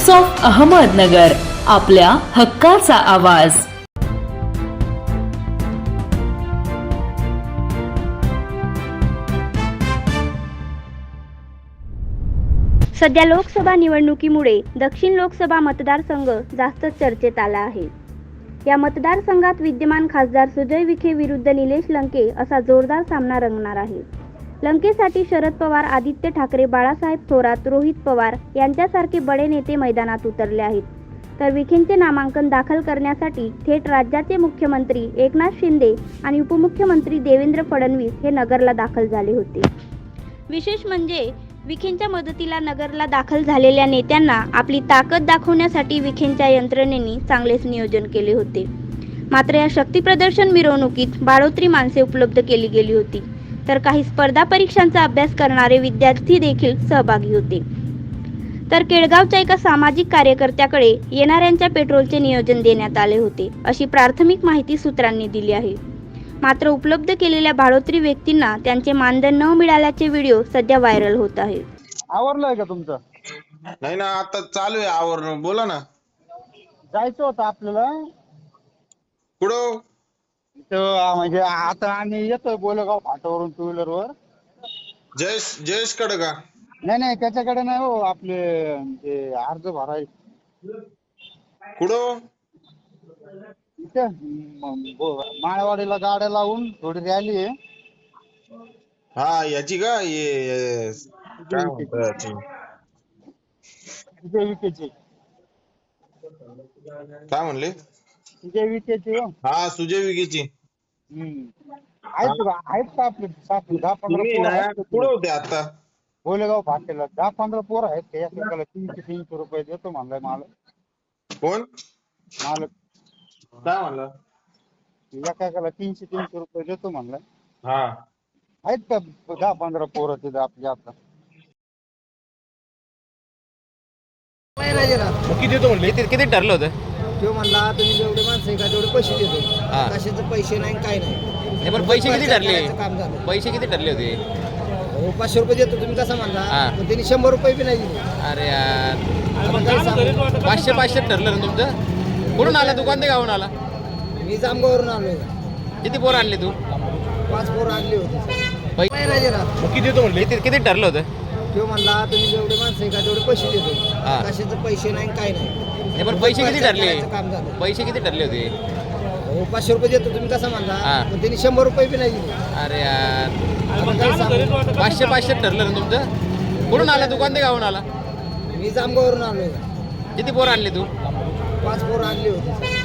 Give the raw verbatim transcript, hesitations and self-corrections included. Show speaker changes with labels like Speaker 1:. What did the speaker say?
Speaker 1: Times of Ahmednagar, आपल्या हक्काचा आवाज।
Speaker 2: सध्या लोकसभा निवडणुकीमुळे दक्षिण लोकसभा मतदारसंघ जास्त चर्चेत आला आहे। या मतदारसंघात विद्यमान खासदार सुजय विखे विरुद्ध निलेश लंके असा जोरदार सामना रंगणार आहे। लंकेसाठी शरद पवार, आदित्य ठाकरे, बाळासाहेब थोरात, रोहित पवार यांच्यासारखे बडे नेते मैदानात उतरले आहेत, तर विखेंचे नामांकन दाखल करण्यासाठी थेट राज्याचे मुख्यमंत्री एकनाथ शिंदे आणि उपमुख्यमंत्री देवेंद्र फडणवीस हे नगरला दाखल झाले होते। विशेष म्हणजे विखेंच्या मदतीला नगरला दाखल झालेल्या नेत्यांना आपली ताकद दाखवण्यासाठी विखेंच्या यंत्रणेने चांगलेच नियोजन केले होते। मात्र या शक्ती प्रदर्शन मिरवणुकीत बाळोत्री माणसे उपलब्ध केली गेली होती, तर काही स्पर्धा परीक्षांचा अभ्यास करणारे विद्यार्थी देखील सहभागी होते। तर केळगावच्या एका सामाजिक कार्यकर्त्याकडे येणाऱ्यांच्या पेट्रोलचे नियोजन देण्यात आले होते, अशी प्राथमिक माहिती सूत्रांनी दिली आहे। मात्र उपलब्ध केलेल्या बाळोत्री व्यक्तींना त्यांचे मानधन न मिळाल्याचे व्हिडिओ सध्या व्हायरल होत आहे।
Speaker 3: आवरलंय का तुमचं?
Speaker 4: नाही ना, आता चालू आहे आवरण। बोला ना,
Speaker 3: जायचं होतं आपल्याला
Speaker 4: कुठं?
Speaker 3: तर म्हणजे आता आम्ही येतोय बोलेगाव फाट्यावरून टू व्हीलर वर।
Speaker 4: जयेश जयेश कडे का?
Speaker 3: नाही नाही, त्याच्याकडे नाही हो, आपले ते अर्ज भराय
Speaker 4: कुठं?
Speaker 3: इथं म- बो- माळवाडीला गाड्या लावून थोडी रॅली आहे।
Speaker 4: हा याची का? ये काय म्हणतात याची?
Speaker 3: विजय विखेची
Speaker 4: काय म्हणले?
Speaker 3: विजय विखेची हो।
Speaker 4: हा, सुजय विखेची।
Speaker 3: हम्म आहेत का आहेत का आपले साथी? दहा पंधरा
Speaker 4: तुम्ही
Speaker 3: पोर
Speaker 4: ना
Speaker 3: आहेत का
Speaker 4: कुठं
Speaker 3: तुम्ही?
Speaker 4: होते आता?
Speaker 3: बोलेगाव फाट्याला दहा पंधरा पोर आहेत का? एकेकाला तीनशे तीनशे रुपये देतो म्हणलाय मालक।
Speaker 4: कोण?
Speaker 3: मालक
Speaker 4: काय म्हणला?
Speaker 3: एकेकाला तीनशे तीनशे रुपये देतो म्हणलाय।
Speaker 4: हा,
Speaker 3: आहेत का दहा पंधरा पोरं तिथं आपल्या आता?
Speaker 5: किती देतो म्हणले? किती किती ठरलं होतं?
Speaker 6: तो म्हणला तुम्ही जेवढे माणसं आहे का तेवढे पैसे देतो।
Speaker 5: हा.
Speaker 6: कशाचे पैसे नाही काय नाही।
Speaker 5: नाही, पण पैसे किती ठरले?
Speaker 6: करायचं काम झालं।
Speaker 5: पैसे किती ठरले होते?
Speaker 6: हो, पाचशे रुपये देतो तुम्ही कसा म्हणला,
Speaker 5: हा.
Speaker 6: पण त्यांनी शंभर रुपये बी नाही दिले।
Speaker 5: अरे यार,
Speaker 6: आता काय सांगू?
Speaker 5: पाचशे पाचशे ठरलं ना तुमचं? कुठून आला? दुकान ते गावून आला?
Speaker 6: मी जामगावरून आलोय।
Speaker 5: किती पोरं आणले तू?
Speaker 6: पाच पोरं आणली होती।
Speaker 5: पै-
Speaker 6: राजेराव
Speaker 5: किती देतो म्हणले? किती किती ठरलं होतं?
Speaker 6: तो म्हणला तुम्ही जेवढे माणसं आहे का तेवढे पैसे देतो।
Speaker 5: हा.
Speaker 6: कशाचे पैसे नाही काय नाही।
Speaker 5: नाही, पण पैसे किती ठरले?
Speaker 6: करायचं काम झालं।
Speaker 5: पैसे किती ठरले होते?
Speaker 6: हो, पाचशे रुपये देतो तुम्ही कसा म्हणला,
Speaker 5: हा.
Speaker 6: पण त्यांनी शंभर रुपये बी नाही दिले।
Speaker 5: अरे यार,
Speaker 6: आता काय सांगू?
Speaker 5: पाचशे पाचशे ठरलं ना तुमचं? कुठून आला? दुकान ते गावून आला?
Speaker 6: मी जामगावरून आलोय।
Speaker 5: किती पोरं आणले तू?
Speaker 6: पाच पोरं आणली होती।